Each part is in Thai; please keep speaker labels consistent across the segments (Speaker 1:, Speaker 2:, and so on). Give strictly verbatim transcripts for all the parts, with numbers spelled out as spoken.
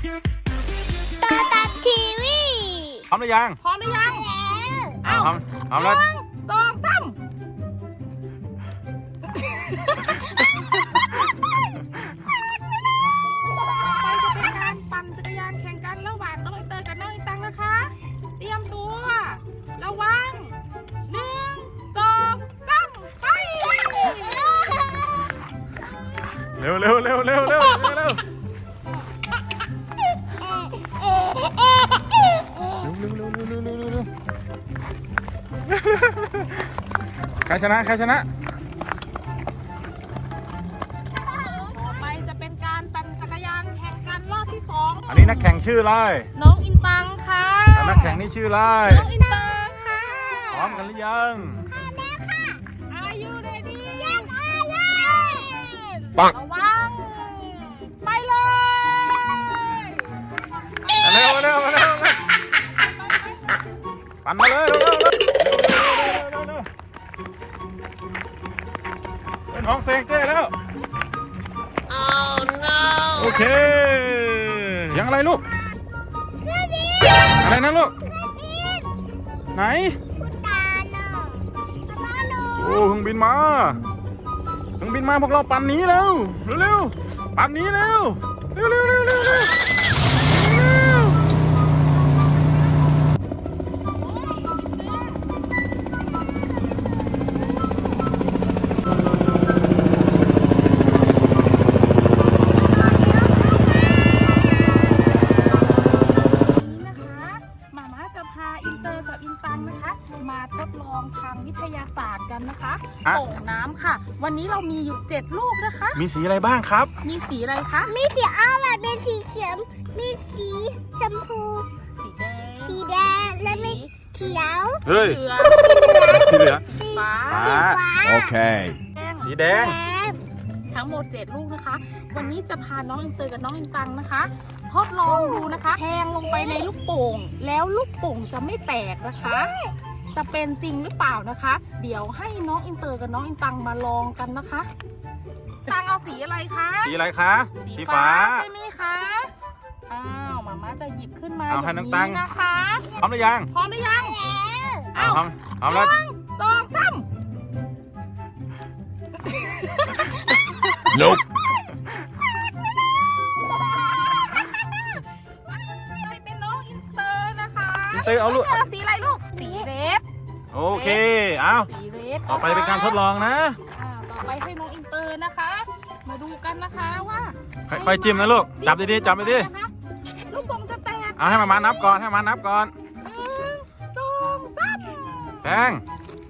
Speaker 1: ตัวตัดทีวี
Speaker 2: พร้อมหรือยัง
Speaker 3: พร้อมหรือยัง
Speaker 2: เอาพร้อมพร้อมแล้ว
Speaker 3: หนึ่งสองสามไปจะเป็นการปั่นจักรยานแข่งกันระหว่างน้องอินเตอร์กับน้องอินตังนะคะเตรียมตัวระวังหนึ่งสองสามไป
Speaker 2: เร็วเร็วเร็วเร็วเร็วเร็วเร็วเร็วเร็วใครชนะใครชนะ
Speaker 3: ต่อไปจะเป็นการปั่นจักรยานแข่งกันรอบที่สอง
Speaker 2: อันนี้นักแข่งชื่ออะไร
Speaker 3: น้องอินตังค่ะ
Speaker 2: แล้วนักแข่งนี่ชื่ออะไร
Speaker 3: น้องอินเตอร์ค่ะ
Speaker 2: พร้อมกันหรือยัง
Speaker 3: Are you ready
Speaker 1: ยังอายุ
Speaker 3: ระวังไปเลย
Speaker 2: เร็วเร็วเร็วปั่นมาเลยเร็วเร็วเร็วเร็วเป็นห้องเซ็งเต้แล้ว
Speaker 3: Oh no
Speaker 2: โอเคเสียงอะไรลูกอะไรนะลูกไหน
Speaker 1: คุณตาเนาะตาเนาะ
Speaker 2: โอ้เครื่องบินมาเครื่องบินมาพวกเราปั่นหนีเร็วเร็วๆปั่นหนีเร็วเร็วเร็วเร็วเร็วเร็ว
Speaker 3: มาทดลองทางวิทยาศาสตร์กันนะคะโป่งน้ำค่ะวันนี้เรามีอยู่เจ็ดลูกนะคะ
Speaker 2: มีสีอะไรบ้างครับ
Speaker 3: มีสีอะไรคะ
Speaker 1: มีสีอ้อมมีสีเขียวมีสีชมพู
Speaker 3: สีแดง
Speaker 1: สีแดงและมีเขียว
Speaker 2: เฮ้ย
Speaker 3: สีเหลือง
Speaker 2: สี
Speaker 3: ฟ้า
Speaker 1: สีฟ้า
Speaker 2: โอเคสีแดง
Speaker 3: ทั้งหมดเจ็ดลูกนะคะวันนี้จะพาน้องอินเตอร์กับน้องอินตังนะคะทดลองดูนะคะแทงลงไปในลูกโป่งแล้วลูกโป่งจะไม่แตกนะคะจะเป็นจริงหรือเปล่านะคะเดี๋ยวให้น้องอินเตอร์กับน้องอินตังมาลองกันนะคะตังเอาสีอะไรคะ
Speaker 2: สีอะไรคะ
Speaker 3: สีฟ้าใช่ไหมคะอ้าวมาม่าจะหยิบขึ้นมาอย่างนี้นะคะ
Speaker 2: พร้อมหรือยัง
Speaker 3: พร้อมหรือยัง
Speaker 2: อ้าวพร้อมพร้อมแล้ว
Speaker 3: หนึ่งสองสาม
Speaker 2: Nope
Speaker 3: ไปเป็นน้องอินเตอร์นะคะ
Speaker 2: อินเตอร์เอาลูก
Speaker 3: สีอะไรลูกสีเรด
Speaker 2: โอเคเอา
Speaker 3: สีเรด
Speaker 2: ต่อไปเป็นการทดลองนะ
Speaker 3: ต่อไปให้น้องอินเตอร์นะคะมาดูกันนะคะว่า
Speaker 2: ค่อยๆจิ้มนะลูกจับดีๆจับดี
Speaker 3: ๆลูกโป่งจะแตก
Speaker 2: เอาให้มามานับก่อนให้มานับก่อน
Speaker 3: หนึ่งสองสาม
Speaker 2: แทง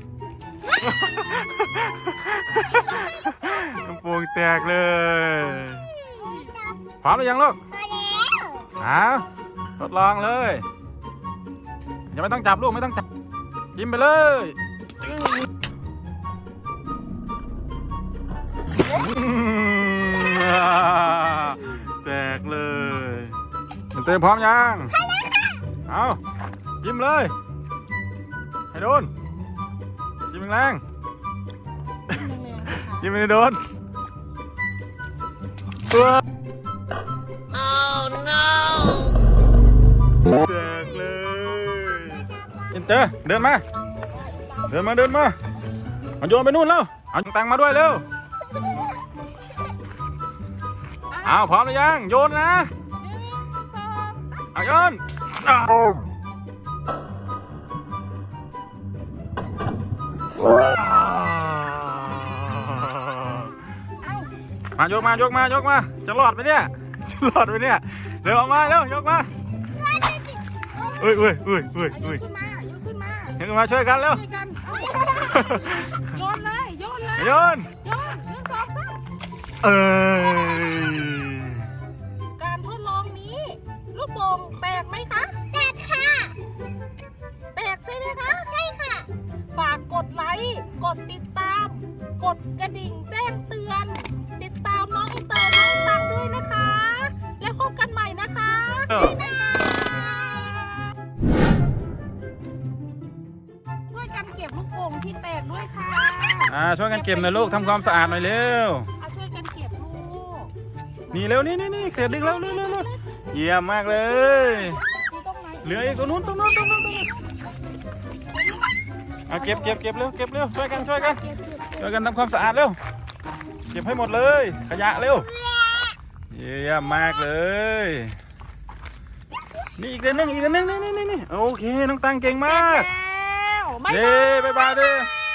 Speaker 2: ลูกโป่งแตกเลยพร้อมหรือยังลูกอ้าวทดลองเลยยังไม่ต้องจับลูกไม่ต้องจับจิ้มไปเลยแตกเลยเต้พร้อมยังเอาจิ้มเลยให้โดนจิ้มแรงจิ้มไม่โดนตัว
Speaker 3: Oh no
Speaker 2: แตกเลยอินเตอร์เดินมาเดินมาเดินมาเอาโยนไปนู่นแล้วเอาตังมาด้วยเร็วเอาพร้อมหรือยังโยนนะเอาโยนมายกมายกมายกมาจะรอดไหมเนี่ยจะรอดไหมเนี่ยเร็วออกมาเร็วยกมาเอ้ยเอ้ยเอ้ยเอ้ยเอ้ย
Speaker 3: ยกขึ้นมายกขึ้นมายก
Speaker 2: ขึ้นมาช่วยกันเร็ว
Speaker 3: โยนเลยโยนเลย
Speaker 2: โยน
Speaker 3: โยนหนึ่งสองสาม
Speaker 2: เอ้ย
Speaker 3: การทดลองนี้ลูกโป่งแตกไหมคะ
Speaker 1: แตกค่ะ
Speaker 3: แตกใช่ไหมคะ
Speaker 1: ใช่ค่ะ
Speaker 3: ฝากกดไลค์กดติดตามกดกระดิ่งแจ้งเตือนติดตามน้องอินเตอร์น้องตังด้วยนะคะแล้วพบกันใหม่นะคะช่วยกันเก็บลูกโป่งที่แตกด้วยค่ะ
Speaker 2: อ่าช่วยกันเก็บหน่อยลูกทำความสะอาดหน่อยเร็ว
Speaker 3: ช่วยกันเก็บลูก
Speaker 2: นี่เร็วนี่นี่นี่เก็บดึงเร็วเร็วเร็วเยี่ยมมากเลย
Speaker 3: มีตรงไหน
Speaker 2: เหลืออีกตรงนู้นตรงนู้นตรงนู้นตรงนู้นเอาเก็บเก็บเก็บเร็วเก็บเร็วช่วยกันช่วยกัน
Speaker 3: เก็บเก็บ
Speaker 2: ช่วยกันทำความสะอาดเร็วเก็บให้หมดเลย ขยะเร็วเยี่ยมมากเลยนี่อีกเดือนนึงอีกเดือนนึงนี่นี่นี่โอเคน้องตังเก่งมาก
Speaker 3: แล้วบ๊าย
Speaker 2: เย้
Speaker 3: บาย
Speaker 2: บ๊ายบายด้วย
Speaker 3: บ